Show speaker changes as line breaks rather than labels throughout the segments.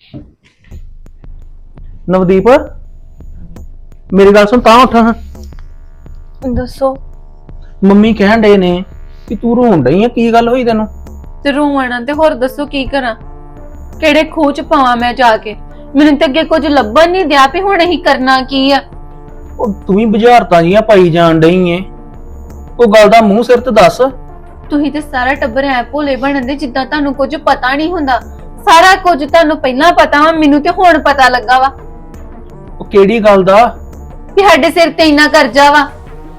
ਨਵਦੀਪ ਮੇਰੀ ਗੱਲ ਸੁਣ ਤਾਂ ਉੱਠ ਹਾਂ।
ਦੱਸੋ।
ਮੰਮੀ ਕਹਿਣ ਡਏ ਨੇ ਕਿ ਤੂੰ ਰੋਣ ਡਈ ਆ, ਕੀ ਗੱਲ ਹੋਈ ਤੈਨੂੰ?
ਤੇ ਰੋਣਾ ਤੇ ਹੋਰ ਦੱਸੋ ਕੀ ਕਰਾਂ, ਕਿਹੜੇ ਖੂਹ ਚ ਪਾਵਾਂ ਮੈਂ ਜਾ ਕੇ? ਮੈਨੂੰ ਤਾਂ ਅੱਗੇ ਕੁਝ ਲੱਭਣ ਨਹੀਂ ਦਿਆ ਵੀ ਹੁਣ ਅਸੀਂ ਕਰਨਾ ਕੀ ਆ।
ਉਹ ਤੂੰ ਵੀ ਬੁਝਾਰਤਾਂ ਜੀਆਂ ਪਾਈ ਜਾਣ ਡਈ ਏ, ਉਹ ਗੱਲ ਦਾ ਮੂੰਹ ਸਿਰ ਤੇ ਦੱਸ।
ਤੁਸੀਂ ਤੇ ਸਾਰਾ ਟੱਬਰ ਐ ਭੋਲੇ ਬਣਨ ਦੇ ਜਿੱਦਾਂ ਤੁਹਾਨੂੰ ਕੁਝ ਪਤਾ ਨਹੀਂ ਹੁੰਦਾ। ਸਾਰਾ ਕੁਝ ਤੁਹਾਨੂੰ ਪਹਿਲਾਂ ਪਤਾ ਵਾ, ਮੈਨੂੰ ਤੇ ਹੁਣ ਪਤਾ ਲੱਗਾ ਵਾ
ਉਹ ਕਿਹੜੀ ਗੱਲ ਦਾ?
ਵੀ ਸਾਡੇ ਸਿਰ ਤੇ ਇੰਨਾ ਕਰਜ਼ਾ ਵਾ।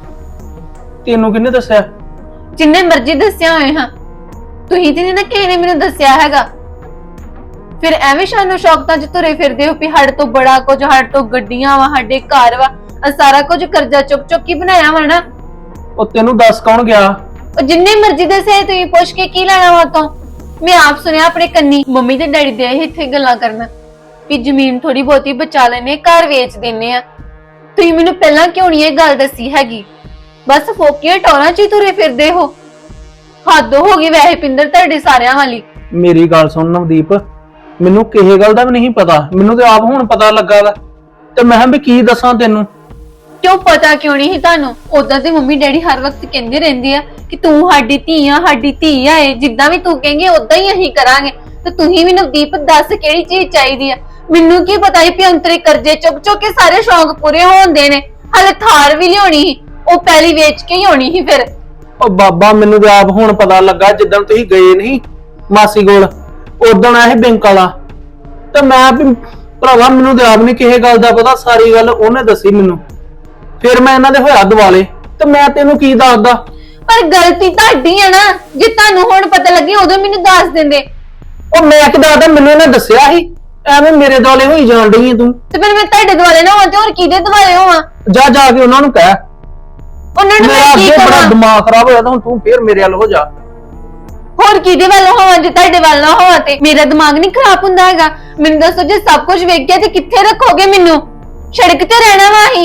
ਤੈਨੂੰ ਕਿਹਨੇ ਦੱਸਿਆ?
ਜਿੰਨੇ ਮਰਜ਼ੀ ਦੱਸਿਆ ਹੋਏ ਹਾਂ, ਤੁਸੀਂ ਤੇ ਨਹੀਂ ਨਾ ਕਿਸੇ ਨੇ ਮੈਨੂੰ ਦੱਸਿਆ ਹੈਗਾ। ਫਿਰ ਐਵੇਂ ਸ਼ਾਨੋ ਸ਼ੌਕਤਾਂ ਚ ਤੁਰੇ ਫਿਰਦੇ ਹੋ ਵੀ ਸਾਡੇ ਤੋਂ ਬੜਾ ਕੁਝ, ਸਾਡੇ ਤੋਂ ਗੱਡੀਆਂ ਵਾ, ਸਾਡੇ ਘਰ ਵਾ, ਆ ਸਾਰਾ ਕੁਝ ਕਰਜ਼ਾ ਚੁੱਕ ਚੁੱਕ ਕੇ ਬਣਾਇਆ ਵਾ ਨਾ।
ਉਹ ਤੈਨੂੰ ਦੱਸ ਕੌਣ ਗਿਆ?
ਉਹ ਜਿੰਨੇ ਮਰਜ਼ੀ ਦੱਸੇ, ਤੁਸੀਂ ਪੁੱਛ ਕੇ ਕੀ ਲੈਣਾ ਵਾ ਤੋਂ? ਮੈਂ ਆਪ ਸੁਣਿਆ ਆਪਣੇ ਕੰਨੀ, ਮੰਮੀ ਤੇ ਡੈਡੀ ਦੇ ਇੱਥੇ ਗੱਲਾਂ ਕਰਨਾ ਵੀ ਜ਼ਮੀਨ ਥੋੜੀ ਬਹੁਤੀ ਬਚਾ ਲੈਨੇ, ਘਰ ਵੇਚ ਦਿੰਨੇ ਆ। ਤੁਸੀਂ ਮੈਨੂੰ ਪਹਿਲਾਂ ਕਿਉਂ ਨਹੀਂ ਇਹ ਗੱਲ ਦੱਸੀ ਹੈਗੀ? ਬਸ ਫੋਕੀਆਂ ਟੌਰਾਂ ਚ ਹੀ ਤੁਰੇ ਫਿਰਦੇ ਹੋ। ਹੱਦ ਹੋ ਗਈ ਵੈਸੇ ਪਿੰਦਰ ਤੁਹਾਡੇ ਸਾਰਿਆਂ ਵਾਲੀ।
ਮੇਰੀ ਗੱਲ ਸੁਣ ਨਵਦੀਪ, ਮੈਨੂੰ ਕਿਸੇ ਗੱਲ ਦਾ ਵੀ ਨਹੀਂ ਪਤਾ, ਮੈਨੂੰ ਤੇ ਆਪ ਹੁਣ ਪਤਾ ਲੱਗਾ ਵਾ, ਤੇ ਮੈਂ ਵੀ ਕੀ ਦੱਸਾਂ ਤੈਨੂੰ।
ਕਿਉਂ ਪਤਾ ਕਿਉਂ ਨਹੀਂ ਤੁਹਾਨੂੰ? ਉਦਾਂ ਤੇ ਮੰਮੀ ਡੈਡੀ ਹਰ ਵਕਤ ਕਹਿੰਦੇ ਰਹਿੰਦੇ ਆ ਕਿ ਤੂੰ ਸਾਡੀ ਧੀ ਆ, ਸਾਡੀ ਧੀ ਆ। ਇਹ ਜਿੱਦਾਂ ਵੀ ਤੂੰ ਕਹੇਂਗੇ ਉਦਾਂ ਹੀ ਅਸੀਂ ਕਰਾਂਗੇ। ਤੇ ਤੁਸੀਂ ਵੀ ਨਵਦੀਪ ਦੱਸ ਕਿਹੜੀ ਚੀਜ਼ ਚਾਹੀਦੀ ਆ? ਮੈਨੂੰ ਕੀ ਪਤਾ ਸੀ ਅੰਤਰੇ ਕਰਜ਼ੇ ਚੁੱਕ ਚੁੱਕ ਕੇ ਸਾਰੇ ਸ਼ੌਂਕ ਪੂਰੇ ਹੋਣਦੇ ਨੇ। ਹਲੇ ਥਾਰ ਵੀ ਲਿਆਉਣੀ ਸੀ, ਉਹ ਪਹਿਲੀ ਵੇਚ ਕੇ ਹੀ ਹੋਣੀ ਸੀ ਫਿਰ।
ਉਹ ਬਾਬਾ ਮੈਨੂੰ ਤੇ ਆਪ ਹੁਣ ਪਤਾ ਲੱਗਾ, ਜਿੱਦਣ ਤੁਸੀਂ ਗਏ ਨਹੀਂ ਮਾਸੀ ਕੋਲ, ਉਦਣ ਆਏ ਬੈਂਕ ਵਾਲਾ, ਤੇ ਮੈਂ ਵੀ ਭਰਾਵਾ ਮੈਨੂੰ ਤੇ ਆਪ ਨਹੀਂ ਕਿਸੇ ਗੱਲ ਦਾ ਪਤਾ, ਸਾਰੀ ਗੱਲ ਉਹਨੇ ਦੱਸੀ ਮੈਨੂੰ। ਫਿਰ ਮੈਂ ਇਹਨਾਂ ਦੇ ਹੋਇਆ ਦਿਵਾਲੇ, ਤੇ ਮੈਂ ਤੈਨੂੰ ਕੀ ਦੱਸਦਾ?
ਪਰ ਗਲਤੀ ਤੁਹਾਡੀ ਆ ਨਾ, ਜੇ ਤੁਹਾਨੂੰ ਹੁਣ ਪਤਾ ਲੱਗੀ ਉਦੋਂ ਮੈਨੂੰ ਦੱਸ ਦਿੰਦੇ।
ਉਹ ਮੈਂ ਕੀ ਦੱਸਦਾ, ਮੈਨੂੰ ਇਹਨੇ ਦੱਸਿਆ ਸੀ। ਐਵੇਂ ਮੇਰੇ ਦੁਆਲੇ ਹੋਈ ਜਾਣ ਡਈ ਏ ਤੂੰ।
ਤੇ ਫਿਰ ਮੈਂ ਤੁਹਾਡੇ ਦੁਆਲੇ ਨਾ ਹੋਵਾਂ ਤੇ ਹੋਰ ਕਿਹਦੇ ਦੁਆਲੇ ਹੋਵਾਂ?
ਜਾ ਜਾ ਕੇ ਉਹਨਾਂ ਨੂੰ ਕਹਿ।
ਉਹਨਾਂ ਨੂੰ
ਮੇਰਾ
ਮੈਂ ਕੀ
ਅੱਗੇ ਬੜਾ
ਕਹਾਂ?
ਦਿਮਾਗ ਖਰਾਬ ਹੋਇਆ, ਤਾਂ ਹੁਣ ਤੂੰ ਫੇਰ ਮੇਰੇ ਵੱਲ ਹੋ ਜਾ।
ਹੋਰ ਕਿਹਦੇ ਵੱਲ ਹੋਵਾਂ ਜੇ ਤੁਹਾਡੇ ਵੱਲ ਨਾ ਹੋਵਾਂ? ਤੇ ਮੇਰਾ ਦਿਮਾਗ ਨਹੀਂ ਖਰਾਬ ਹੁੰਦਾ ਹੈਗਾ। ਮੈਨੂੰ ਦੱਸੋ, ਜੇ ਸਭ ਕੁਝ ਵੇਖ ਗਿਆ ਤੇ ਕਿੱਥੇ ਰੱਖੋਗੇ ਮੈਨੂੰ? ਸੜਕ ਤੇ ਰਹਿਣਾ ਵਾ ਹੀ।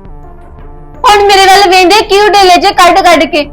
ਹੁਣ ਮੇਰੇ ਵੱਲ ਵੇਂਦੇ ਕਿਉਂ ਡੇਲੇ ਜੇ ਕੱਢ ਕੱਢ ਕੇ?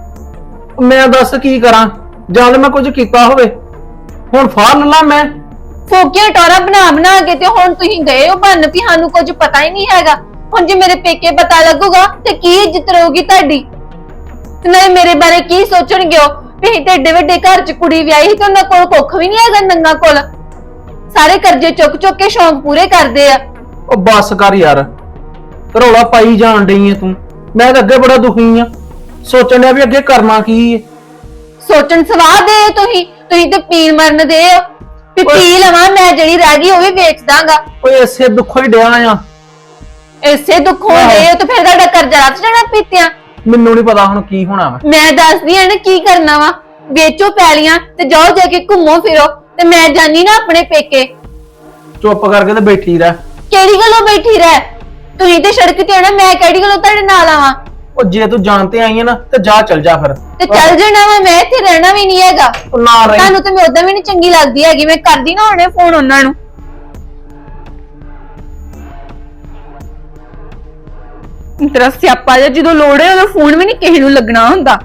ਮੈਂ ਦੱਸ ਕੀ ਕਰਾਂ, ਜਦ ਮੈਂ ਕੁਝ ਕੀਤਾ ਹੋਵੇ। ਹੁਣ ਫਾੜ ਲਾ ਮੈਂ।
ਫੋਕੀਆਂ ਟੋਰਾ ਬਣਾ ਬਣਾ ਕੇ, ਤੇ ਹੁਣ ਤੁਸੀਂ ਗਏ ਹੋ ਬੰਨ ਵੀ ਸਾਨੂੰ ਕੁਝ ਪਤਾ ਹੀ ਨਹੀਂ ਹੈਗਾ। ਹੁਣ ਜੇ ਮੇਰੇ ਪੇਕੇ ਪਤਾ ਲੱਗੂਗਾ ਤੇ ਕੀ ਇੱਜ਼ਤ ਰਹੂਗੀ ਤੁਹਾਡੀ? ਤੇ ਨਾਲੇ ਮੇਰੇ ਬਾਰੇ ਕੀ ਸੋਚਣਗੇ ਉਹ ਵੀ ਅਸੀਂ ਤੇ ਏਡੇ ਵੱਡੇ ਘਰ ਚ ਕੁੜੀ ਵਿਆਹੀ ਤੇ ਉਹਨਾਂ ਕੋਲ ਕੁੱਖ ਵੀ ਨਹੀਂ ਹੈਗਾ ਨੰਗਾ ਕੋਲ। ਸਾਰੇ ਕਰਜ਼ੇ ਚੁੱਕ ਚੁੱਕ ਕੇ ਸ਼ੌਂਕ ਪੂਰੇ ਕਰਦੇ ਆ।
ਉਹ ਬੱਸ ਕਰ ਯਾਰ, ਰੌਲਾ ਪਾਈ ਜਾਣ ਡਈ ਏ ਤੂੰ। ਮੈਂ ਤਾਂ ਅੱਗੇ ਬੜਾ ਦੁਖੀ ਆ, ਸੋਚਣ ਡਿਆ ਵੀ ਅੱਗੇ ਕਰਨਾ ਕੀ ਏ।
ਸੋਚਣ ਸਵਾਹ ਦੇ ਤੁਸੀਂ ਤੇ ਪੀਣ ਮਰਨ ਦੇ ਹੋ ਵੀ ਪੀ ਲਵਾਂ ਮੈਂ, ਜਿਹੜੀ ਰਹਿ ਗਈ ਉਹ ਵੀ ਵੇਚ ਦਾਂਗਾ।
ਓਏ ਇਸੇ ਦੁੱਖੋਂ ਹੀ ਡਿਆ ਆ।
ਇਸੇ ਦੁੱਖੋਂ ਦੇ ਤੇ ਫਿਰ ਤੁਹਾਡਾ ਕਰਜ਼ਾ ਰੱਖ ਜਾਣਾ ਪੀਤਿਆਂ।
ਮੈਨੂੰ ਨਹੀਂ ਪਤਾ ਹੁਣ ਕੀ ਹੋਣਾ ਵਾ।
ਮੈਂ ਦੱਸਦੀ ਆ ਨਾ ਕੀ ਕਰਨਾ ਵਾ। ਵੇਚੋ ਪੈਲੀਆਂ ਤੇ ਜਾਓ ਜਾ ਕੇ ਘੁੰਮੋ ਫਿਰੋ, ਤੇ ਮੈਂ ਜਾਨੀ ਨਾ ਆਪਣੇ ਪੇਕੇ।
ਚੁੱਪ ਕਰਕੇ ਤੇ ਬੈਠੀ ਰਹਿ।
ਕਿਹੜੀ ਗੱਲੋਂ ਬੈਠੀ ਰਹਿ? ਤੁਸੀਂ ਤੇ ਸੜਕ ਤੇ ਆਣਾ, ਮੈਂ ਕਿਹੜੀ ਗੱਲੋਂ ਤੁਹਾਡੇ ਨਾਲ ਆਵਾਂ?
ਉਹ ਜੇ ਤੂੰ ਜਾਣ ਤੇ ਆਈ ਹੈ ਨਾ, ਤੇ ਜਾ ਚੱਲ ਜਾ ਫਿਰ।
ਤੇ ਚੱਲ ਜਾਣਾ ਵਾ, ਮੈਂ ਇੱਥੇ ਰਹਿਣਾ ਵੀ ਨਹੀਂ ਹੈਗਾ।
ਉਹ ਨਾ ਰਹੀ।
ਤੁਹਾਨੂੰ ਤੇ ਮੈਂ ਉਦਾਂ ਵੀ ਨਹੀਂ ਚੰਗੀ ਲੱਗਦੀ ਹੈਗੀ। ਮੈਂ ਕਰਦੀ ਨਾ ਹੁਣੇ ਫੋਨ ਉਹਨਾਂ ਨੂੰ। ਤੇਰਾ ਸਿਆਪਾ ਜਿਹਾ, ਜਦੋਂ ਲੋੜ ਹੈ ਉਦੋਂ ਫੋਨ ਵੀ ਨਹੀਂ ਕਿਸੇ ਨੂੰ ਲੱਗਣਾ ਹੁੰਦਾ।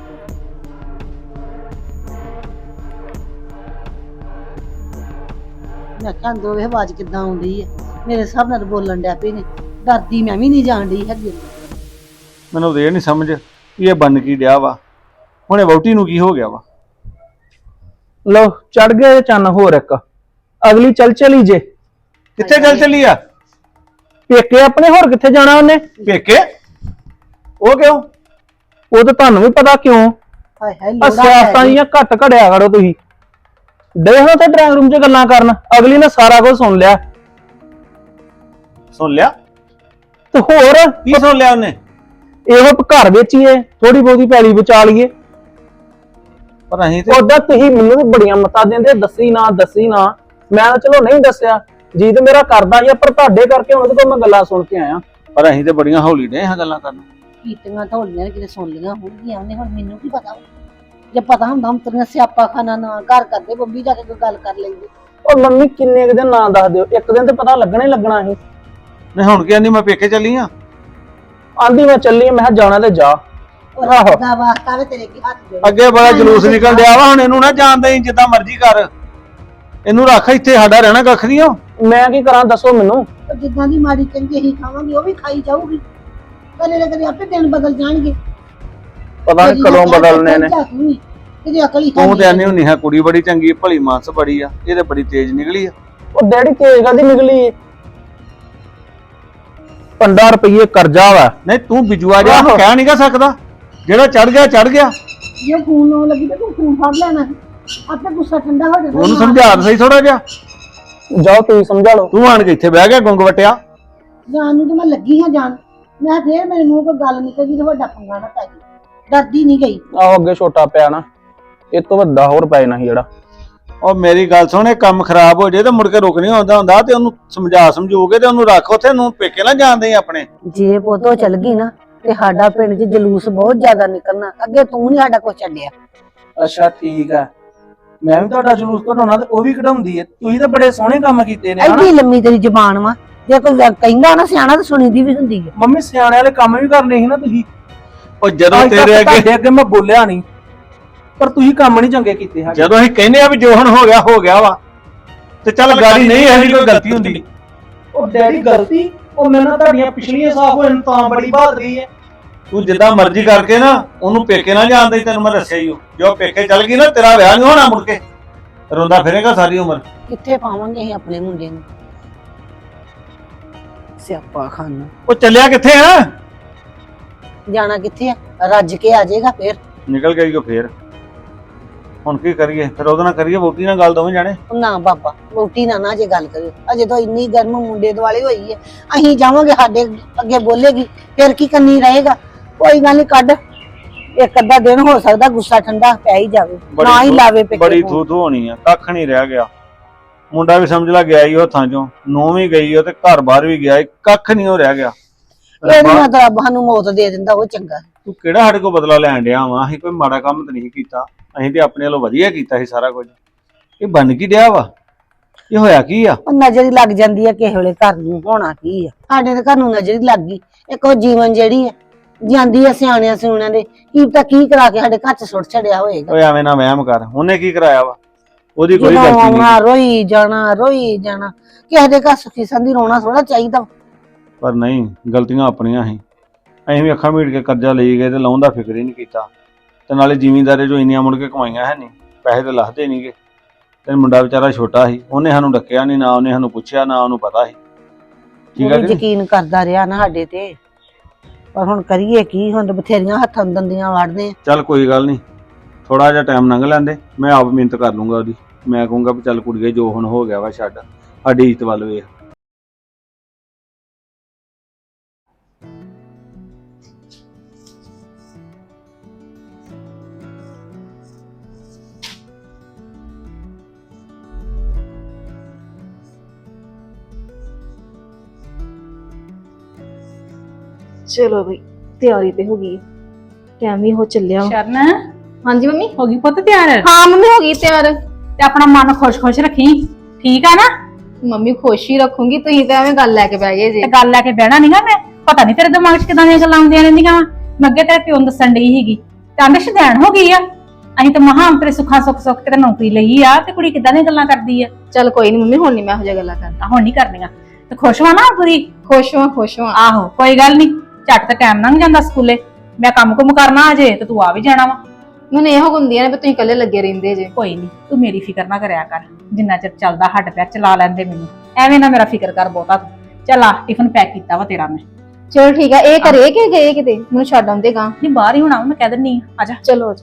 ਮੈਂ ਕਿਹਾ ਅੰਦਰੋਂ ਵੇਖ ਆਵਾਜ਼ ਕਿੱਦਾਂ ਆਉਂਦੀ ਹੈ। ਮੇਰੇ ਹਿਸਾਬ ਨਾਲ ਬੋਲਣ ਡਿਆ ਪਈ ਨੇ। ਡਰਦੀ ਮੈਂ ਵੀ ਨਹੀਂ ਜਾਣ ਡਈ ਹੈਗੀ।
ਮੈਨੂੰ ਤਾਂ ਇਹ ਨਹੀਂ ਸਮਝ ਵੀ ਇਹ ਬਣ ਕੀ ਡਿਆ ਵਾ। ਹੁਣ ਇਹ ਵਹੁਟੀ ਨੂੰ ਕੀ ਹੋ ਗਿਆ ਵਾ?
ਲੋ ਚੜ ਗਿਆ ਚੰਨ ਹੋਰ ਇੱਕ। ਅਗਲੀ ਚੱਲ ਚਲੀ ਜੇ
ਕਿੱਥੇ ਚੱਲ ਚੱਲੀ ਆ?
ਪੇਕੇ ਆਪਣੇ, ਹੋਰ ਕਿੱਥੇ ਜਾਣਾ ਉਹਨੇ?
ਪੇਕੇ? ਉਹ ਕਿਉਂ?
ਉਹ ਤਾਂ ਤੁਹਾਨੂੰ ਵੀ ਪਤਾ ਕਿਉਂ।
ਹਾਏ ਹਾਏ
ਆ
ਲੋੜਾ
ਸਿਆਸਤਾਂ ਜੀਆਂ ਘੱਟ ਘੜਿਆ ਕਰੋ ਤੁਸੀਂ। ਦੇਖੋ ਤੇ ਡਰਾਇੰਗ ਰੂਮ 'ਚ ਗੱਲਾਂ ਕਰਨ, ਅਗਲੀ ਨੇ ਸਾਰਾ ਕੁਝ ਸੁਣ ਲਿਆ।
ਸੁਣ ਲਿਆ?
ਤੇ ਹੋਰ
ਕੀ ਸੁਣ ਲਿਆ ਉਹਨੇ?
ਇਹੋ ਘਰ ਵੇਚੀਏ, ਥੋੜੀ ਬਹੁਤੀ ਪੈਲੀ ਬਚਾ ਲਈਏ।
ਪਰ ਅਸੀਂ ਤੇ
ਉਦਾਂ ਤੁਸੀਂ ਮੈਨੂੰ ਵੀ ਬੜੀਆਂ ਮਤਾਂ ਦਿੰਦੇ, ਦੱਸੀ ਨਾ ਦੱਸੀ ਨਾ। ਮੈਂ ਤਾਂ ਚਲੋ ਨਹੀਂ ਦੱਸਿਆ, ਜੀ ਤੇ ਮੇਰਾ ਕਰਦਾ ਹੀ ਆ, ਪਰ ਤੁਹਾਡੇ ਕਰਕੇ ਉਹਦੇ ਕੋਲ ਮੈਂ ਗੱਲਾਂ ਸੁਣ ਕੇ ਆਇਆ।
ਪਰ ਅਸੀਂ ਤੇ ਬੜੀਆਂ ਹੌਲੀ ਨੇ ਇਹ ਗੱਲਾਂ ਕਰਨ।
ਕੀਤੀਆਂ ਢੋਲੀਆਂ ਕਿਤੇ ਸੁਣ ਲੀਆਂ ਹੋਣਗੀਆਂ ਉਹਨੇ। ਹੁਣ ਮੈਨੂੰ ਕੀ ਪਤਾ? ਜੇ ਪਤਾ ਹੁੰਦਾ ਹੁਣ ਤੇਰੀਆਂ ਸਿਆਪਾ ਖਾਨਾ ਨਾ ਘਰ ਕਰਦੇ, ਬੰਬੀ ਜਾ ਕੇ ਕੋਈ ਗੱਲ ਕਰ ਲੈਂਦੇ।
ਉਹ ਮੰਮੀ ਕਿੰਨੇ ਕੁ ਦਿਨ ਨਾ ਦੱਸ ਦਿਓ, ਇੱਕ ਦਿਨ ਤੇ ਪਤਾ ਲੱਗਣਾ ਹੀ ਲੱਗਣਾ ਸੀ।
ਨਹੀਂ ਹੁਣ ਕੀ ਆਂਦੀ ਮੈਂ ਪੇਕੇ ਚੱਲੀ ਆ?
ਆਂਦੀ ਮੈਂ ਚੱਲੀ, ਮੈਂ ਕਿਹਾ ਜਾਣਾ ਤੇ ਜਾ। ਆਹੋ
ਦਾ ਵਾਸਤਾ ਵੇ ਤੇਰੇ ਕੀ ਹੱਥ ਦੇ।
ਅੱਗੇ ਬੜਾ ਜਲੂਸ ਨਿਕਲ ਡਿਆ ਵਾ, ਹੁਣ ਇਹਨੂੰ ਨਾ ਜਾਣ ਦੇਈਂ, ਜਿੱਦਾਂ ਮਰਜ਼ੀ ਕਰ। ਇਹਨੂੰ ਰੱਖ ਇੱਥੇ, ਸਾਡਾ ਰਹਿਣਾ ਕੱਖ ਨਹੀਂ ਆ।
ਮੈਂ ਕੀ ਕਰਾਂ ਦੱਸੋ ਮੈਨੂੰ।
ਤੇ ਜਿੱਦਾਂ ਦੀ ਮਾੜੀ ਚੰਗੀ ਅਸੀਂ ਖਾਵਾਂਗੇ ਉਹ ਵੀ ਖਾਈ ਜਾਊਗੀ। ਕਦੇ ਨਾ ਕਦੇ ਆਪੇ ਦਿਨ ਬਦਲ ਜਾਣਗੇ।
ਪਤਾ ਨਹੀਂ ਕਦੋਂ ਬਦਲਨੇ ਨੇ।
ਇਹਦੀ ਅਕਲ ਹੀ
ਤੂੰ ਤੇ ਆਨੀ ਹੁੰਨੀ ਹੈ ਕੁੜੀ ਬੜੀ ਚੰਗੀ, ਭਲੀ ਮਾਨਸ ਬੜੀ ਆ, ਇਹ ਤੇ ਬੜੀ ਤੇਜ਼ ਨਿਕਲੀ ਆ।
ਉਹ ਡੈਡੀ ਤੇਜ਼ ਕਾਦੀ ਨਿਕਲੀ? 15 ਰੁਪਏ ਕਰਜ਼ਾ ਵਾ।
ਨਹੀਂ ਤੂੰ ਬਿਜੂਆ ਜਾ ਕਹਿ ਨਹੀਂ ਗਾ ਸਕਦਾ, ਜਿਹੜਾ ਚੜ ਗਿਆ ਚੜ ਗਿਆ।
ਜੇ ਫੋਨ ਆਉਣ ਲੱਗੀ ਤੇ ਤੂੰ ਫੋਨ ਫੜ ਲੈਣਾ, ਆਪੇ ਗੁੱਸਾ ਠੰਡਾ ਹੋ ਜਾਣਾ।
ਉਹਨੂੰ ਸਮਝਾ ਤਾਂ ਸਹੀ ਥੋੜਾ ਜਿਹਾ।
ਜਾਓ ਤੁਸੀਂ ਸਮਝਾ ਲਓ।
ਤੂੰ ਆਣ ਕੇ ਇੱਥੇ ਬਹਿ ਗਿਆ ਗੁੰਗ ਵਟਿਆ।
ਜਾਣ ਨੂੰ ਤੇ ਮੈਂ ਲੱਗੀ ਹਾਂ ਜਾਣ, ਮੈਂ ਫੇਰ ਮੇਰੇ ਮੂੰਹ ਕੋਈ ਗੱਲ ਨਿਕਲ ਗਈ ਤੇ ਵੱਡਾ ਪੰਗਾ ਨਾ ਪੈ ਗਈ। ਡਰਦੀ ਨਹੀਂ ਗਈ।
ਆਹੋ ਅੱਗੇ ਛੋਟਾ ਪਿਆ ਨਾ, ਇਹ ਤੋਂ ਵੱਡਾ ਹੋਰ ਪੈ ਜਾਣਾ ਸੀ ਜਿਹੜਾ।
ਉਹ ਮੇਰੀ ਗੱਲ ਸੁਣ, ਇਹ ਕੰਮ ਖਰਾਬ ਹੋ ਜੇ ਤੇ ਮੁੜ ਕੇ ਰੁਕ ਨਹੀਂ ਆਉਂਦਾ ਹੁੰਦਾ, ਤੇ ਉਹਨੂੰ ਸਮਝੂਗੇ ਤੇ ਉਹਨੂੰ ਰੱਖ ਉੱਥੇ, ਨੂੰ ਪੇਕੇ ਨਾ ਜਾਂਦੇ ਆਪਣੇ।
ਜੇ ਪੋਤੋ ਚਲ ਗਈ ਨਾ ਤੇ ਸਾਡਾ ਪਿੰਡ 'ਚ ਜਲੂਸ ਬਹੁਤ ਜ਼ਿਆਦਾ ਨਿਕਲਣਾ। ਅੱਗੇ ਤੂੰ ਨਹੀਂ ਸਾਡਾ ਕੁਛ ਛੱਡਿਆ।
ਅੱਛਾ ਠੀਕ ਹੈ, ਮੈਂ ਵੀ ਤੁਹਾਡਾ ਜਲੂਸ ਕਢਾਉਣਾ ਤੇ ਉਹ ਵੀ ਕਢਾਉਂਦੀ ਹੈ। ਤੁਸੀਂ ਤਾਂ ਬੜੇ ਸੋਹਣੇ ਕੰਮ ਕੀਤੇ ਨੇ ਹਨਾ।
ਐਡੀ ਲੰਮੀ ਤੇਰੀ ਜ਼ਬਾਨ ਵਾ, ਜੇ ਕੋਈ ਕਹਿੰਦਾ ਨਾ ਸਿਆਣਾ ਤਾਂ ਸੁਣੀ ਦੀ ਵੀ ਹੁੰਦੀ ਹੈ।
ਮੰਮੀ ਸਿਆਣੇ ਵਾਲੇ ਕੰਮ ਵੀ ਕਰਨੇ ਸੀ ਨਾ ਤੁਸੀਂ।
ਉਹ ਜਦੋਂ ਤੇਰੇ
ਅੱਗੇ ਮੈਂ ਬੋਲਿਆ ਨਹੀਂ, ਪਰ ਤੁਸੀਂ ਕੰਮ ਨਹੀਂ ਚੰਗੇ ਕੀਤੇ ਹੈਗੇ।
ਜਦੋਂ ਅਸੀਂ ਕਹਿੰਦੇ ਆ ਵੀ ਜੋਹਨ ਹੋ ਗਿਆ ਵਾ, ਤੇ ਚੱਲ ਗਾੜੀ ਨਹੀਂ ਇਹਦੀ ਕੋਈ ਗਲਤੀ ਹੁੰਦੀ।
ਉਹ ਡੈਡੀ ਗਲਤੀ, ਉਹ ਮੇਰੇ ਨਾਲ ਤੁਹਾਡੀਆਂ ਪਿਛਲੀਆਂ ਸਾਫ ਹੋਣ ਤਾਂ ਬੜੀ ਬਹਾਦਰੀ ਹੈ।
ਤੂੰ ਜਿੱਦਾਂ ਮਰਜ਼ੀ ਕਰਕੇ ਨਾ ਉਹਨੂੰ ਪੇਕੇ ਨਾ ਜਾਣ ਦੇ, ਤੈਨੂੰ ਮੈਂ ਦੱਸਿਆ ਹੀ ਹੋ। ਜੋ ਪੇਕੇ ਚੱਲ ਗਈ ਨਾ ਤੇਰਾ ਵਿਆਹ ਨਹੀਂ ਹੋਣਾ, ਮੁੜ ਕੇ ਰੋਂਦਾ ਫਿਰੇਗਾ ਸਾਰੀ ਉਮਰ।
ਕਿੱਥੇ ਪਾਵਾਂਗੇ ਅਸੀਂ ਆਪਣੇ ਮੁੰਡੇ ਨੂੰ ਸਿਆਪਾ ਖਾਨਾ।
ਉਹ ਚੱਲਿਆ ਕਿੱਥੇ ਆ?
ਜਾਣਾ ਕਿੱਥੇ ਆ, ਰੱਜ ਕੇ ਆ ਜਾਏਗਾ ਫੇਰ।
ਨਿਕਲ ਗਈ ਉਹ ਫੇਰ। ਹੁਣ ਕੀ ਕਰੀਏ ਫਿਰ? ਉਹਦੇ ਨਾਲ ਕਰੀਏ ਵੋਟੀ ਨਾਲ ਗੱਲ, ਦੋਵੇਂ ਜਾਣੇ।
ਨਾ ਬਾਬਾ, ਰੋਟੀ ਨਾ ਜੇ ਗੱਲ ਕਰਿਓ। ਅਜੇ ਤਾਂ ਇੰਨੀ ਗਰਮ ਮੁੰਡੇ ਦੁਆਲੇ ਹੋਈ ਹੈ, ਅਸੀਂ ਜਾਵਾਂਗੇ ਸਾਡੇ ਅੱਗੇ ਬੋਲੇਗੀ, ਫਿਰ ਕੀ ਕੰਨੀ ਰਹੇਗਾ। ਕੋਈ ਗੱਲ ਨਹੀਂ, ਕੱਢ ਇੱਕ ਅੱਧਾ ਦਿਨ ਹੋ ਸਕਦਾ ਗੁੱਸਾ ਠੰਡਾ ਪੈ ਹੀ ਜਾਵੇ, ਨਾ ਹੀ ਲਾਵੇ ਪੇਕੇ
ਬੜੀ
ਫੋਨ।
ਥੂ ਥੂ ਹੋਣੀ ਆ, ਕੱਖ ਨਹੀਂ ਰਹਿ ਗਿਆ। ਮੁੰਡਾ ਵੀ ਸਮਝ ਲਾ ਗਿਆ ਹੀ ਉਹ ਥਾਂ ਚੋਂ, ਨੂੰਹ ਵੀ ਗਈ ਉਹ, ਤੇ ਘਰ ਬਾਹਰ ਵੀ ਗਿਆ, ਕੱਖ ਨਹੀਂ ਉਹ ਰਹਿ ਗਿਆ।
ਇਹਨੂੰ ਤਾਂ ਰੱਬ ਸਾਨੂੰ ਮੌਤ ਦੇ ਦਿੰਦਾ, ਉਹ ਚੰਗਾ।
ਤੂੰ ਕਿਹੜਾ ਸਾਡੇ ਕੋਲ ਬਦਲਾ ਲੈਣ ਡਿਆ ਵਾ? ਅਸੀਂ ਕੋਈ ਮਾੜਾ ਕੰਮ ਤਾਂ ਨਹੀਂ ਕੀਤਾ, ਅਸੀਂ ਤੇ ਆਪਣੇ ਵੱਲੋਂ ਵਧੀਆ ਕੀਤਾ ਸੀ ਸਾਰਾ ਕੁਝ। ਇਹ ਬਣ ਕੀ ਡਿਆ ਵਾ? ਇਹ ਹੋਇਆ ਕੀ ਆ?
ਉਹ ਨਜ਼ਰ ਹੀ ਲੱਗ ਜਾਂਦੀ ਹੈ ਕਿਸੇ ਵੇਲੇ ਘਰ ਨੂੰ। ਹੋਣਾ ਕੀ ਆ, ਸਾਡੇ ਦੇ ਘਰ ਨੂੰ ਨਜ਼ਰ ਹੀ ਲੱਗ ਗਈ। ਇੱਕ ਉਹ ਜੀਵਨ ਜਿਹੜੀ ਹੈ ਜਾਂਦੀ ਹੈ ਸਿਆਣਿਆਂ ਸਿਉਣਿਆਂ ਦੇ, ਕੀ ਪਤਾ ਕੀ ਕਰਾ ਕੇ ਸਾਡੇ ਘਰ 'ਚ ਸੁੱਟ ਛੜਿਆ ਹੋਏਗਾ।
ਓਏ ਐਵੇਂ ਨਾ ਵਹਿਮ ਕਰ, ਉਹਨੇ ਕੀ ਕਰਾਇਆ ਵਾ? ਉਹਦੀ ਕੋਈ ਗਲਤੀ ਨਹੀਂ।
ਰੋਈ ਜਾਣਾ ਕਿਸੇ ਦੇ ਘਰ ਸੁਖੀ ਸੰਦੀ ਰੋਣਾ ਥੋੜਾ ਚਾਹੀਦਾ।
ਪਰ ਨਹੀਂ, ਗਲਤੀਆਂ ਆਪਣੀਆਂ ਸੀ। ਅਸੀਂ ਵੀ ਅੱਖਾਂ ਮੀਟ ਕੇ ਕਰਜ਼ਾ ਲਈ ਗਏ ਤੇ ਲਾਉਣ ਦਾ ਫਿਕਰ ਹੀ ਨਹੀਂ ਕੀਤਾ। ਤੇ ਨਾਲੇ ਜ਼ਿਮੀਂਦਾਰੇ ਜੋ ਇੰਨੀਆਂ ਮੁੜ ਕੇ ਕਮਾਈਆਂ ਹੈ ਨਹੀਂ, ਪੈਸੇ ਤੇ ਲੱਥਦੇ ਨਹੀਂਗੇ। ਤੇ ਮੁੰਡਾ ਵਿਚਾਰਾ ਛੋਟਾ ਸੀ, ਉਹਨੇ ਸਾਨੂੰ ਡੱਕਿਆ ਨਹੀਂ, ਨਾ ਉਹਨੇ ਸਾਨੂੰ ਪੁੱਛਿਆ, ਨਾ ਉਹਨੂੰ ਪਤਾ ਸੀ। ਠੀਕ ਹੈ,
ਯਕੀਨ ਕਰਦਾ ਰਿਹਾ ਨਾ ਸਾਡੇ ਤੇ, ਪਰ ਹੁਣ ਕਰੀਏ ਕੀ? ਹੁਣ ਤਾਂ ਬਥੇਰੀਆਂ ਹੱਥਾਂ ਦੰਦੀਆਂ ਵੜਦੇ ਆ।
ਚੱਲ ਕੋਈ ਗੱਲ ਨਹੀਂ, ਥੋੜਾ ਜਿਹਾ ਟਾਈਮ ਲੰਘ ਲੈਂਦੇ, ਮੈਂ ਆਪ ਮਿਹਨਤ ਕਰ ਲੂੰਗਾ ਉਹਦੀ। ਮੈਂ ਕਹੂੰਗਾ ਵੀ ਚੱਲ ਕੁੜੀਏ ਜੋ ਹੁਣ ਹੋ ਗਿਆ ਵਾ ਛੱਡ, ਸਾਡੀ ਇੱਜ਼ਤ ਵੱਲ ਵੇਖ।
ਚਲੋ ਬਈ, ਤਿਆਰੀ ਤੇ ਹੋ ਗਈ, ਟਾਈਮ ਵੀ ਹੋ ਚੱਲਿਆ।
ਸ਼ਰਨ
ਹਾਂਜੀ ਮੰਮੀ।
ਹੋ ਗਈ ਪੁੱਤ ਤਿਆਰ?
ਹਾਂ ਮੰਮੀ ਹੋ ਗਈ ਤਿਆਰ।
ਤੇ ਆਪਣਾ ਮਨ ਖੁਸ਼ ਰੱਖੀ, ਠੀਕ ਆ ਨਾ?
ਮੰਮੀ ਖੁਸ਼ ਹੀ ਰੱਖੂੰਗੀ, ਤੁਸੀਂ ਤਾਂ ਐਵੇਂ ਗੱਲ ਲੈ ਕੇ ਬਹਿ ਗਏ ਜੀ।
ਤੇ ਗੱਲ ਲੈ ਕੇ ਬਹਿਣਾ ਨਹੀਂਗਾ ਮੈਂ। ਪਤਾ ਨਹੀਂ ਤੇਰੇ ਦਿਮਾਗ 'ਚ ਕਿਦਾਂ ਦੀਆਂ ਗੱਲਾਂ ਆਉਂਦੀਆਂ ਰਹਿੰਦੀਆਂ ਵਾ। ਮੈਂ ਅੱਗੇ ਤੇਰੇ ਪਿਓ ਨੂੰ ਦੱਸਣ ਡਈ ਸੀਗੀ, ਕਹਿੰਦੇ ਸ਼ਦੈਣ ਹੋ ਗਈ ਆ। ਅਸੀਂ ਤਾਂ ਮਹਾਂ ਤੇਰੇ ਸੁੱਖਾਂ ਸੁੱਖ ਕੇ ਤੇ ਨੌਕਰੀ ਲਈ ਆ, ਤੇ ਕੁੜੀ ਕਿਦਾਂ ਦੀਆਂ ਗੱਲਾਂ ਕਰਦੀ ਆ।
ਚੱਲ ਕੋਈ ਨਹੀਂ ਮੰਮੀ, ਹੁਣ ਨਹੀਂ ਮੈਂ ਇਹੋ ਜਿਹੀਆਂ ਗੱਲਾਂ ਕਰਦਾ।
ਹੁਣ ਨਹੀਂ ਕਰਨੀਆਂ। ਤੇ ਖੁਸ਼ ਵਾ ਨਾ ਪੂਰੀ?
ਖੁਸ਼ ਹਾਂ।
ਆਹੋ ਕੋਈ ਗੱਲ ਨਹੀਂ, ਝੱਟ ਤੇ ਟਾਈਮ ਲੰਘ ਜਾਂਦਾ ਸਕੂਲੇ। ਮੈਂ ਕੰਮ ਕੁਮ ਕਰਨਾ ਅਜੇ, ਤੇ ਤੂੰ ਆ ਵੀ ਜਾਣਾ ਵਾ।
ਮੈਨੂੰ ਇਹੋ ਹੁੰਦੀਆਂ ਨੇ ਵੀ ਤੁਸੀਂ ਇਕੱਲੇ ਲੱਗੇ ਰਹਿੰਦੇ ਜੇ।
ਕੋਈ ਨਹੀਂ, ਤੂੰ ਮੇਰੀ ਫਿਕਰ ਨਾ ਕਰਿਆ ਕਰ। ਜਿੰਨਾ ਚਿਰ ਚੱਲਦਾ ਹੱਡ ਪੈਰ ਚਲਾ ਲੈਂਦੇ ਮੈਨੂੰ, ਐਵੇਂ ਨਾ ਮੇਰਾ ਫਿਕਰ ਕਰ ਬਹੁਤਾ ਤੂੰ। ਚੱਲ ਆ, ਟਿਫਨ ਪੈਕ ਕੀਤਾ ਵਾ ਤੇਰਾ ਮੈਂ।
ਚਲੋ ਠੀਕ ਆ। ਇਹ ਘਰੇ ਕਿ ਗਏ ਕਿਤੇ? ਮੈਨੂੰ ਛੱਡ ਆਉਂਦੇ ਗਾ।
ਨਹੀਂ ਬਾਹਰ ਹੀ ਹੋਣਾ, ਮੈਂ ਕਹਿ ਦਿੰਨੀ ਆ, ਆਜਾ।
ਚਲੋ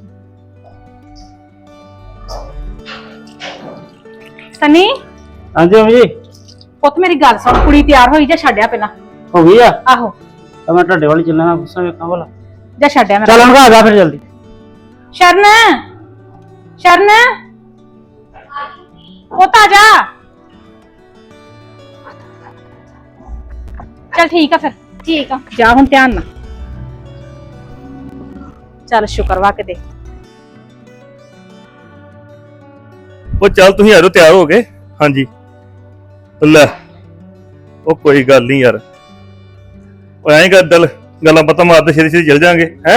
ਸਨੀ
ਹਾਂਜੀ ਮੰਮੀ।
ਪੁੱਤ ਮੇਰੀ ਗੱਲ ਸੁਣ, ਕੁੜੀ ਤਿਆਰ ਹੋਈ ਜਾਂ ਛੱਡਿਆ ਪਹਿਲਾਂ?
ਹੋ ਗਈ ਆ?
ਆਹੋ
ਤਾਂ ਮੈਂ ਤੁਹਾਡੇ ਵੱਲ ਚੱਲਣਾ, ਗੁੱਸਾ ਵੇਖਾਂ ਭਲਾ।
ਜਾਂ ਛੱਡਿਆ ਮੈਂ?
ਚੱਲ ਆ ਜਾ ਫਿਰ ਜਲਦੀ।
ਸ਼ਰਨ ਪੁੱਤ ਆ ਜਾ। ਚੱਲ ਠੀਕ ਆ ਫਿਰ।
ਠੀਕ ਆ,
ਜਾ ਹੁਣ ਧਿਆਨ ਨਾਲ। ਚੱਲ ਸ਼ੁਕਰ ਵਾ ਕਿਤੇ।
ਉਹ ਚੱਲ ਤੁਸੀਂ ਆਜੋ, ਤਿਆਰ ਹੋ ਗਏ? ਹਾਂਜੀ ਲੈ, ਉਹ ਕੋਈ ਗੱਲ ਨਹੀਂ ਯਾਰ, ਉਹ ਐਂ ਕਰ ਦਿਲ ਗੱਲਾਂ ਬਾਤਾਂ ਮਾਰਦੇ ਛੇਤੀ ਛੇਤੀ ਚੱਲ ਜਾਾਂਗੇ। ਹੈ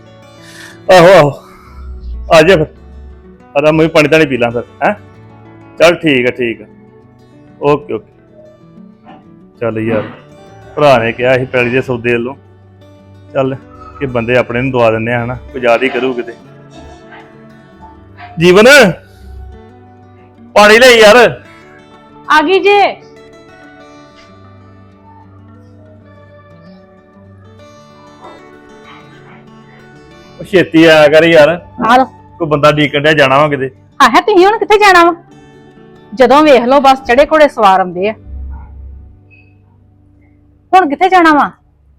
ਆਹੋ ਆ ਜਾ ਫਿਰ। ਆਦਾ ਮੈਂ ਪਾਣੀ ਤਾਂ ਨਹੀਂ ਪੀ ਲਾਂ ਫਿਰ। ਹੈ ਚੱਲ ਠੀਕ ਆ ਓਕੇ ਓਕੇ। ਚੱਲ ਯਾਰ ਭਰਾ ਨੇ ਕਿਹਾ ਸੀ ਪੈਲੀ ਦੇ ਸੌਦੇ ਵੱਲੋਂ, ਚੱਲ ਕਿ ਬੰਦੇ ਆਪਣੇ ਨੂੰ ਦਵਾ ਦਿੰਦੇ ਆ ਹਨਾ, ਕੋਈ ਯਾਦ ਹੀ ਕਰੂ ਕਿਤੇ। ਜੀਵਨ ਪਾਣੀ ਲੈ ਯਾਰ।
ਆ ਗਈ ਜੇ।
ਉਹ ਛੇਤੀ ਆਇਆ ਕਰ ਯਾਰ,
ਆ ਲੋ।
ਕੋਈ ਬੰਦਾ ਡੀਕਣ ਡਿਆ ਜਾਣਾ ਵਾ ਕਿਤੇ।
ਆਹ ਤੁਸੀਂ ਹੁਣ ਕਿੱਥੇ ਜਾਣਾ ਵਾ? ਜਦੋਂ ਵੇਖ ਲਓ ਬਸ ਚੜੇ ਘੋੜੇ ਸਵਾਰ ਆਉਂਦੇ ਆ। ਹੁਣ ਕਿੱਥੇ ਜਾਣਾ ਵਾ?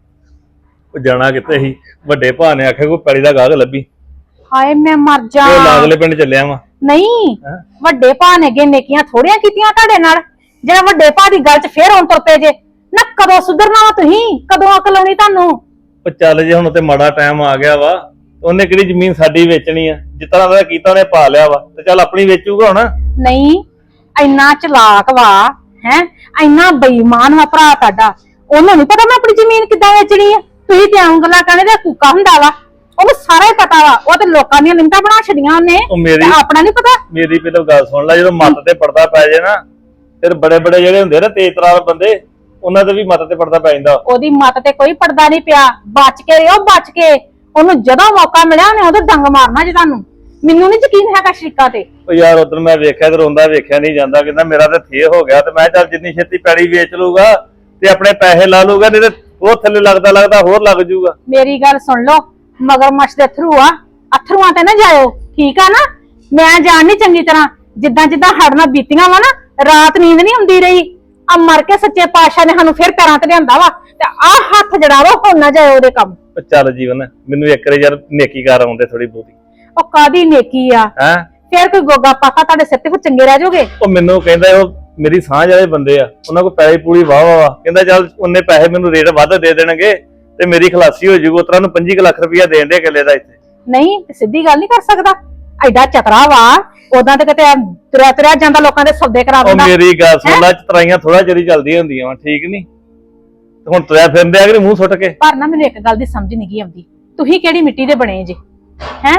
ਉਹ ਜਾਣਾ ਕਿਤੇ ਸੀ, ਵੱਡੇ ਭਾ ਨੇ ਆਖਿਆ ਕੋਈ ਪੈਲੀ ਦਾ ਗਾਹਕ ਲੱਭੀ,
ਹਾਏ ਮੈਂ ਮਰ ਜਾ।
ਤੇ ਉਹ ਲਾਗਲੇ ਪਿੰਡ ਚੱਲਿਆ ਵਾ।
ਨਹੀਂ,
ਹੈਂ?
ਵੱਡੇ ਭਾ ਨੇ ਅੱਗੇ ਨੇਕੀਆਂ ਥੋੜੀਆਂ ਕੀਤੀਆਂ ਤੁਹਾਡੇ ਨਾਲ, ਜਿਹੜਾ ਵੱਡੇ ਭਾ ਦੀ ਗੱਲ 'ਚ ਫੇਰ ਹੁਣ ਤੁਰ ਪਏ ਜੇ ਨਾ। ਕਦੋਂ ਸੁਧਰਨਾ ਵਾ ਤੁਸੀਂ? ਕਦੋਂ ਅਕਲ ਆਉਣੀ ਤੁਹਾਨੂੰ?
ਉਹ ਚੱਲ ਜੇ ਹੁਣ ਤੇ ਮਾੜਾ ਟਾਈਮ ਆ ਗਿਆ ਵਾ, ਉਹਨੇ ਕਿਹੜੀ ਜ਼ਮੀਨ ਸਾਡੀ ਵੇਚਣੀ ਆ, ਜਿਸ ਤਰ੍ਹਾਂ ਦਾ ਕੀਤਾ ਉਹਨੇ ਪਾ ਲਿਆ ਵਾ, ਤੇ ਚੱਲ ਆਪਣੀ ਵੇਚੂਗਾ ਹੁਣ।
ਨਹੀਂ, ਇੰਨਾ ਚਲਾਕ ਵਾ ਹੈ, ਇੰਨਾ ਬੇਈਮਾਨ ਵਾ ਭਰਾ ਤੁਹਾਡਾ। ਉਹਨੂੰ ਨਹੀਂ ਪਤਾ ਮੈਂ ਆਪਣੀ ਜ਼ਮੀਨ ਕਿੱਦਾਂ ਵੇਚਣੀ ਆ। ਤੁਸੀਂ ਤੇ ਆਉਂ ਗੱਲਾਂ ਕਰਨੇ ਦਾ ਕੂਕਾ ਹੁੰਦਾ ਵਾ, ਉਹਨੂੰ ਸਾਰਾ ਹੀ ਪਤਾ ਵਾ। ਉਹ ਤੇ ਲੋਕਾਂ ਦੀਆਂ ਲਿੰਕਾਂ ਬਣਾ ਛੜੀਆਂ ਉਹਨੇ,
ਉਹ ਮੇਰੀ
ਤੇ ਆਪਣਾ ਨਹੀਂ ਪਤਾ।
ਮੇਰੀ ਪਹਿਲਾਂ ਗੱਲ ਸੁਣ ਲੈ, ਜਦੋਂ ਮੱਤ ਤੇ ਪਰਦਾ ਪੈ ਜੇ ਨਾ, ਫਿਰ ਬੜੇ ਬੜੇ ਜਿਹੜੇ ਹੁੰਦੇ ਨਾ ਤੇਜ਼ ਤਰਾਰ ਬੰਦੇ, ਉਹਨਾਂ ਦੇ ਵੀ ਮੱਤ ਤੇ ਪਰਦਾ ਪੈ ਜਾਂਦਾ।
ਉਹਦੀ ਮੱਤ ਤੇ ਕੋਈ ਪਰਦਾ ਨਹੀਂ ਪਿਆ। ਬਚ ਕੇ ਰਿਓ, ਬਚ ਕੇ। ਉਹਨੂੰ ਜਦੋਂ ਮੌਕਾ ਮਿਲਿਆ ਉਹਨੇ ਉਹਦੇ ਡੰਗ ਮਾਰਨਾ ਜੇ ਤੁਹਾਨੂੰ। ਮੈਨੂੰ ਨਹੀਂ ਯਕੀਨ ਹੈਗਾ ਸ਼ਰੀਕਾ ਤੇ।
ਉਹ ਯਾਰ ਉਦੋਂ ਮੈਂ ਵੇਖਿਆ ਤੇ ਰੋਂਦਾ ਵੇਖਿਆ ਨਹੀਂ ਜਾਂਦਾ, ਕਹਿੰਦਾ ਮੇਰਾ ਤੇ ਥੇ ਹੋ ਗਿਆ, ਤੇ ਮੈਂ ਚੱਲ ਜਿੰਨੀ ਛੇਤੀ ਪੈੜੀ ਵੇਚ ਲੂਗਾ ਤੇ ਆਪਣੇ ਪੈਸੇ ਲਾ ਲੂਗਾ, ਨਹੀਂ ਤੇ ਉਹ ਥੱਲੇ ਲੱਗਦਾ ਹੋਰ ਲੱਗ ਜੂਗਾ।
ਮੇਰੀ ਗੱਲ ਸੁਣ ਲਓ, ਮਗਰਮੱਛ ਦੇ ਥਰੂ ਆ, ਅਥਰੂਆਂ ਤੇ ਨਾ ਜਾਇਓ, ਠੀਕ ਆ ਨਾ? ਮੈਂ ਜਾਣਨੀ ਚੰਗੀ ਤਰ੍ਹਾਂ, ਜਿੱਦਾਂ ਜਿੱਦਾਂ ਹੜਨਾ ਬੀਤੀਆਂ ਵਾ ਨਾ, ਰਾਤ ਨੀਂਦ ਨਹੀਂ ਆਉਂਦੀ ਰਹੀ। ਆ ਮਰ ਕੇ ਸੱਚੇ ਪਾਤਸ਼ਾਹ ਨੇ ਸਾਨੂੰ ਫਿਰ ਪੈਰਾਂ ਤੇ ਲਿਆਂਦਾ ਵਾ, ਤੇ ਆ ਹੱਥ ਜੜਾ ਵਾ, ਹੁਣ ਨਾ ਜਾਇਓ ਉਹਦੇ ਕੰਮ।
ਉਹ ਚੱਲ ਜੀਵਨ, ਮੈਨੂੰ ਇੱਕ ਵਾਰੀ ਯਾਰ ਨੇਕੀ ਕਰ ਆਉਂਦੇ ਥੋੜੀ ਬਹੁਤੀ।
ਉਹ ਕਾਦੀ ਨੇਕੀ ਆ?
ਹੈ
ਫਿਰ ਕੋਈ ਗੋਗਾ ਪਾਤਾ ਤੁਹਾਡੇ ਸਿਰ ਤੇ, ਫਿਰ ਚੰਗੇ ਰਹਿ ਜਾਓਗੇ।
ਉਹ ਮੈਨੂੰ ਕਹਿੰਦਾ ਉਹ ਮੇਰੀ ਸਾਂਝ ਵਾਲੇ ਬੰਦੇ ਆ, ਉਹਨਾਂ ਕੋਲ ਪੈਸੇ ਪੂਰੀ ਵਾਹ ਵਾ, ਕਹਿੰਦਾ ਚੱਲ ਉਹਨੇ ਪੈਸੇ ਮੈਨੂੰ ਰੇਟ ਵੱਧ ਦੇ ਦੇਣਗੇ ਤੇ ਮੇਰੀ ਖਲਾਸੀ ਹੋ ਜੂਗੀ। ਉਤਰਾ ਨੂੰ 25 ਲੱਖ ਰੁਪਇਆ ਦੇਣ ਦੇ ਕਿੱਲੇ ਦਾ ਇੱਥੇ।
ਨਹੀਂ, ਸਿੱਧੀ ਗੱਲ ਨਹੀਂ ਕਰ ਸਕਦਾ, ਐਡਾ ਚਤਰਾ ਵਾ। ਉਦਾਂ ਤੇ ਕਿਤੇ ਤੁਰਿਆ ਜਾਂਦਾ, ਲੋਕਾਂ ਦੇ ਸੌਦੇ ਕਰਾ
ਉਹ
ਦਿੰਦਾ।
ਮੇਰੀ ਗੱਲ ਸੁਣ ਲੈ, ਚਤਰਾਈਆਂ ਥੋੜਾ ਚਿਰ ਹੀ ਚੱਲਦੀਆਂ ਹੁੰਦੀਆਂ ਵਾ, ਠੀਕ ਨਹੀਂ? ਹੁਣ ਤੁਰਿਆ ਫਿਰਦੇ ਆ ਕਿ ਮੂੰਹ ਸੁੱਟ ਕੇ।
ਪਰ ਨਾ ਮੈਨੂੰ ਇੱਕ ਗੱਲ ਦੀ ਸਮਝ ਨਹੀਂ ਗਈ ਆਉਂਦੀ, ਤੁਸੀਂ ਕਿਹੜੀ ਮਿੱਟੀ ਦੇ ਬਣੇ ਜੇ? ਹੈ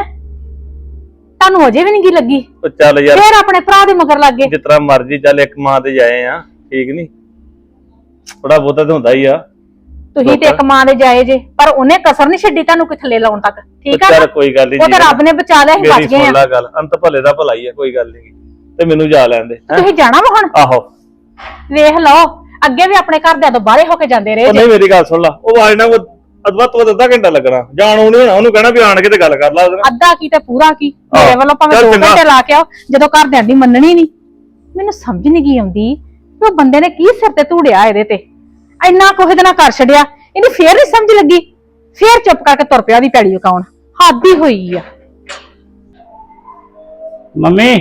ਤੁਹਾਨੂੰ ਅਜੇ ਵੀ ਨਹੀਂ ਗੀ ਲੱਗੀ?
ਉਹ ਚੱਲ ਯਾਰ,
ਫੇਰ ਆਪਣੇ ਭਰਾ ਦੇ ਮਗਰ ਲੱਗ ਗਏ।
ਜਿਸ ਤਰ੍ਹਾਂ ਮਰਜ਼ੀ ਚੱਲ, ਇੱਕ ਮਾਂ ਤੇ ਜਾਏ ਆ, ਠੀਕ ਨਹੀਂ? ਥੋੜਾ ਬਹੁਤਾ ਤੇ ਹੁੰਦਾ ਹੀ ਆ।
ਤੁਸੀਂ ਤੇ ਇੱਕ ਮਾਂ ਦੇ ਜਾਏ ਜੇ, ਪਰ ਉਹਨੇ ਕਸਰ ਨਹੀਂ ਛੱਡੀ ਤੁਹਾਨੂੰ ਕੋਈ ਥੱਲੇ ਲਾਉਣ ਤੱਕ, ਠੀਕ ਆ
ਚੱਲ
ਨਾ?
ਕੋਈ ਗੱਲ ਨਹੀਂ,
ਉਹ ਤਾਂ ਰੱਬ ਨੇ ਬਚਾ ਲਿਆ, ਅਸੀਂ
ਮੇਰੀ
ਬਚ ਗਏ
ਸੁਣ
ਆ।
ਲੈ ਗੱਲ, ਅੰਤ ਭਲੇ ਦਾ ਭਲਾ ਹੀ ਆ, ਕੋਈ ਗੱਲ ਨਹੀਂ। ਤੇ ਮੈਨੂੰ ਜਾ ਲੈਣ ਦੇ। ਹੈਂ?
ਤੁਸੀਂ ਜਾਣਾ ਵਾ ਹੁਣ?
ਆਹੋ।
ਵੇਖ ਲਓ, ਅੱਗੇ ਵੀ ਆਪਣੇ ਘਰਦਿਆਂ ਤੋਂ ਬਾਹਰੇ ਹੋ ਕੇ ਜਾਂਦੇ ਰਹੇ
ਉਹ
ਜੇ।
ਨਹੀਂ, ਮੇਰੀ ਗੱਲ ਸੁਣ ਲਾ, ਉਹ ਆਜ ਨਾ ਅਦਵਾ ਤੋਂ ਅੱਧਾ ਘੰਟਾ ਲੱਗਣਾ ਜਾਣ ਨੂੰ, ਨਹੀਂ ਹੋਣਾ। ਉਹਨੂੰ ਕਹਿਣਾ ਵੀ ਆਣ ਕੇ ਤੇ ਗੱਲ ਕਰ ਲਾ ਉਹਦੇ ਨਾਲ।
ਅੱਧਾ ਕੀ ਤੇ ਪੂਰਾ ਕੀ, ਮੇਰੇ ਵੱਲੋਂ ਭਾਵੇਂ
ਚੱਲ
2
ਚੰਗਾ।
ਘੰਟੇ ਲਾ ਕੇ ਆਓ, ਜਦੋਂ ਘਰਦਿਆਂ ਦੀ ਮੰਨਣੀ ਨਹੀਂ। ਮੈਨੂੰ ਸਮਝ ਨਹੀਂ ਗਈ ਆਉਂਦੀ ਕਿ ਉਹ ਬੰਦੇ ਨੇ ਕੀ ਸਿਰ ਤੇ ਧੂੜਿਆ ਇਹਦੇ ਤੇ, ਇੰਨਾ ਕੁ ਇਹਦੇ ਨਾਲ ਕਰ ਛੱਡਿਆ। ਇਹਨੂੰ ਫੇਰ ਨਹੀਂ ਸਮਝ ਲੱਗੀ, ਫੇਰ ਚੁੱਪ ਕਰਕੇ ਤੁਰ ਪਿਆ ਦੀ ਪੈੜੀ ਉਕਾਉਣ। ਹੱਦ ਹੀ ਹੋਈ ਆ।
ਮੰਮੀ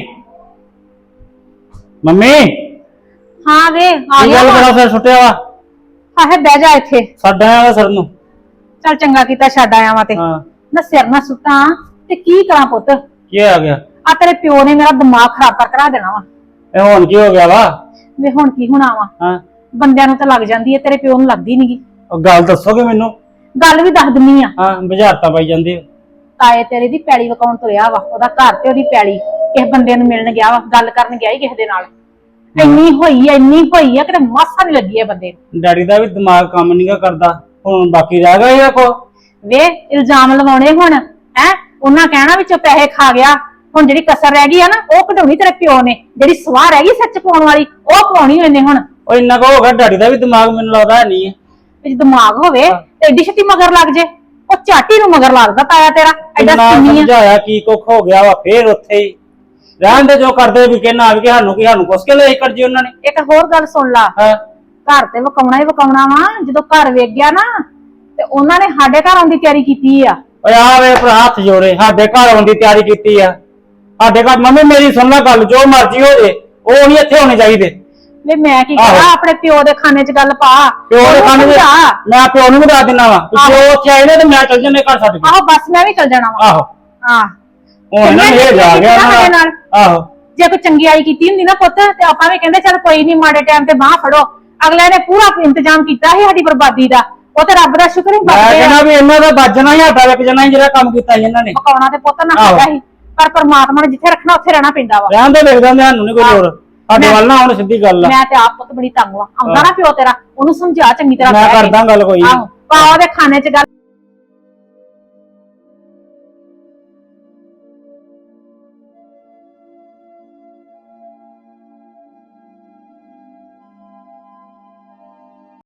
ਮੰਮੀ
ਹਾਂ ਵੇ, ਆ
ਕੀ
ਗਿਆ
ਗੱਲ
ਵਾ।
ਬੜਾ ਫਿਰ ਸੁੱਟਿਆ ਵਾ?
ਆਹੇ ਬਹਿ ਜਾ ਇੱਥੇ।
ਸਾਡਾ ਆਇਆ ਸਰ ਨੂੰ।
ਚੱਲ ਚੰਗਾ ਕੀਤਾ ਛੱਡ ਆਇਆ ਵਾ ਤੇ।
ਹਾਂ,
ਨਾ ਸਿਰ ਨਾ ਸੁੱਟਾਂ ਤੇ ਕੀ ਕਰਾਂ ਪੁੱਤ?
ਕੀ ਆ ਗਿਆ?
ਆ ਤੇਰੇ ਪਿਓ ਨੇ ਮੇਰਾ ਦਿਮਾਗ ਖਰਾਬ ਕਰਾ ਦੇਣਾ ਵਾ।
ਇਹ ਹੁਣ ਕੀ ਹੋ ਗਿਆ ਵਾ?
ਵੇ ਹੁਣ ਕੀ ਹੋਣਾ ਵਾ?
ਹਾਂ,
ਬੰਦਿਆਂ ਨੂੰ ਤਾਂ ਲੱਗ ਜਾਂਦੀ ਹੈ, ਤੇਰੇ ਪਿਓ ਨੂੰ ਲੱਗਦੀ ਨਹੀਂਗੀ।
ਉਹ ਗੱਲ ਦੱਸੋਗੇ ਮੈਨੂੰ?
ਗੱਲ ਵੀ ਦੱਸ ਦਿੰਨੀ ਆ।
ਹਾਂ, ਬੁਝਾਰਤਾਂ ਪਾਈ ਜਾਂਦੀ ਆ।
ਤਾਏ ਤੇਰੇ ਦੀ ਪੈਲੀ ਵਕਾਉਣ ਤੁਰਿਆ ਵਾ, ਉਹਦਾ ਘਰ ਤੇ ਉਹਦੀ ਪੈਲੀ। ਕਿਸੇ ਬੰਦੇ ਨੂੰ ਮਿਲਣ ਗਿਆ ਵਾ, ਗੱਲ ਕਰਨ ਗਿਆ ਹੀ ਕਿਸੇ ਦੇ ਨਾਲ। ਇੰਨੀ ਹੋਈ ਆ ਕਿਤੇ ਮਾਸਾ ਨਹੀਂ ਲੱਗੀ ਇਹ ਬੰਦੇ ਨੂੰ।
ਡੈਡੀ ਦਾ ਵੀ ਦਿਮਾਗ ਕੰਮ ਨਹੀਂਗਾ ਕਰਦਾ। ਹੁਣ ਬਾਕੀ ਰਹਿ ਗਿਆ ਇਹ ਕੋ।
ਵੇ ਇਲਜ਼ਾਮ ਲਵਾਉਣੇ ਹੁਣ ਹੈ, ਉਹਨਾਂ ਕਹਿਣਾ ਵਿੱਚੋਂ ਪੈਸੇ ਖਾ ਗਿਆ। ਹੁਣ ਜਿਹੜੀ ਕਸਰ ਰਹਿ ਗਈ ਆ ਨਾ, ਉਹ ਕਢਾਉਣੀ ਤੇਰੇ ਪਿਓ ਨੇ। ਜਿਹੜੀ ਸਵਾਹ ਰਹਿ ਗਈ ਸੱਚ ਪਾਉਣ ਵਾਲੀ, ਉਹ ਪਾਉਣੀ ਉਹਨੇ ਹੁਣ।
ਉਹ ਇੰਨਾ ਕੋ ਹੋ ਗਿਆ, ਡੈਡੀ ਦਾ ਵੀ ਦਿਮਾਗ ਮੈਨੂੰ ਲੱਗਦਾ ਹੈ ਨਹੀਂ ਹੈ।
ਜੇ ਦਿਮਾਗ ਹੋਵੇ ਤੇ ਏਡੀ ਛੇਤੀ ਮਗਰ ਲੱਗ ਜੇ। ਉਹ ਝਾਟੀ ਨੂੰ ਮਗਰ ਲੱਗਦਾ ਤਾਇਆ ਤੇਰਾ, ਐਡਾ
ਇੰਨਾ
ਸਿੰਨੀ ਆ।
ਸਮਝਾਇਆ ਕੀ ਕੁੱਖ ਹੋ ਗਿਆ ਵਾ, ਫੇਰ ਉੱਥੇ ਹੀ ਰਹਿਣ ਦੇ ਜੋ ਕਰਦੇ ਵੀ ਕਹਿਣਾ ਵੀ ਕਿ ਸਾਨੂੰ ਕੁਛ ਕੇ ਲੈ ਕਰ ਜੀ ਉਹਨਾਂ ਨੇ।
ਇੱਕ ਹੋਰ ਗੱਲ ਸੁਣ ਲਾ,
ਹਾਂ,
ਘਰ ਤੇ ਵਕਾਉਣਾ ਹੀ ਵਕਾਉਣਾ ਵਾ। ਜਦੋਂ ਘਰ ਵੇਖ ਗਿਆ ਨਾ, ਤੇ ਉਹਨਾਂ ਨੇ ਸਾਡੇ ਘਰ ਆਉਣ ਦੀ ਤਿਆਰੀ ਕੀਤੀ ਆ।
ਓਏ ਆ ਵੇ ਭਰਾ, ਹੱਥ ਜੋੜੇ, ਸਾਡੇ ਘਰ ਆਉਣ ਦੀ ਤਿਆਰੀ ਕੀਤੀ ਆ। ਸਾਡੇ ਘਰ ਮੰਮੀ ਮੇਰੀ ਸੁਣ ਲੈ ਗੱਲ, ਜੋ ਮਰਜ਼ੀ ਹੋ ਜੇ ਉਹ ਨਹੀਂ ਇੱਥੇ ਹੋਣੇ ਚਾਹੀਦੇ।
ਵੇ ਮੈਂ ਕੀ
ਆਹੋ।
ਕਰਾਂ, ਆਪਣੇ ਪਿਓ ਦੇ ਖਾਨੇ 'ਚ ਗੱਲ ਪਾ।
ਪਿਓ ਦੇ
ਉਹਨੂੰ
ਖਾਣੇ ਦੇ
ਸਮਝਾ।
ਮੈਂ ਪਿਓ ਨੂੰ ਵੀ ਦੱਸ ਦਿੰਦਾ ਵਾ, ਪਿਓ ਉੱਥੇ ਆਏ ਨੇ ਤੇ ਮੈਂ ਚੱਲ ਜੰਨੇ ਘਰ ਛੱਡ ਕੇ।
ਆਹੋ ਬਸ ਮੈਂ ਵੀ ਚੱਲ ਜਾਣਾ ਵਾ।
ਆਹੋ,
ਹਾਂ,
ਹੁਣ ਇਹਨਾਂ ਨੇ ਇਹ ਜਾ ਗਿਆ
ਸਾਡੇ
ਇਹਨਾਂ
ਨਾਲ।
ਦਾ। ਆਹੋ,
ਜੇ ਕੋਈ ਚੰਗਿਆਈ ਕੀਤੀ ਹੁੰਦੀ ਨਾ ਪੁੱਤ, ਤੇ ਆਪਾਂ ਵੀ ਕਹਿੰਦੇ ਚੱਲ ਕੋਈ ਨਹੀਂ, ਮਾੜੇ ਟਾਈਮ ਤੇ ਬਾਹ ਫੜੋ। ਅਗਲੇ ਨੇ ਪੂਰਾ ਇੰਤਜ਼ਾਮ ਕੀਤਾ ਸੀ ਸਾਡੀ ਬਰਬਾਦੀ ਦਾ। ਉਹ ਤੇ ਰੱਬ ਦਾ ਸ਼ੁਕਰ ਹੀ
ਮੈਂ
ਕਰਦੇ
ਕਹਿੰਦਾ
ਆ।
ਵੀ ਇਹਨਾਂ ਦਾ ਵੱਜਣਾ ਹੀ ਹੱਥਾਂ ਵਿੱਚ ਜਣਾ ਜਿਹੜਾ ਕੰਮ ਕੀਤਾ ਸੀ ਇਹਨਾਂ ਨੇ।
ਪਕਾਉਣਾ ਤੇ ਪੁੱਤ ਨਾ
ਆਹੋ।
ਹੈਗਾ ਸੀ, ਪਰ ਪਰਮਾਤਮਾ ਨੇ ਜਿੱਥੇ ਰੱਖਣਾ ਉੱਥੇ ਰਹਿਣਾ ਪੈਂਦਾ ਵਾ।
ਰਹਿਣ ਦੇ ਲਿਖ ਦਿੰਦੇ, ਸਾਨੂੰ ਨਹੀਂ ਕੋਈ ਲੋੜ।
ਸਾਡੇ
ਮੈਂ-
ਵੱਲ ਨਾ ਹੁਣ ਸਿੱਧੀ ਗੱਲ ਆ
ਮੈਂ ਤੇ ਆਪ ਪੁੱਤ ਬੜੀ ਤੰਗ ਵਾ ਆਉਂਦਾ ਨਾ ਪਿਓ ਤੇਰਾ ਉਹਨੂੰ ਸਮਝਾ ਚੰਗੀ ਤਰ੍ਹਾਂ
ਮੈਂ
ਬਹਿ ਕੇ।
ਕਰਦਾ ਗੱਲ ਕੋਈ ਨੀ।
ਆਹੋ ਪਾ ਉਹਦੇ ਖਾਣੇ 'ਚ ਗੱਲ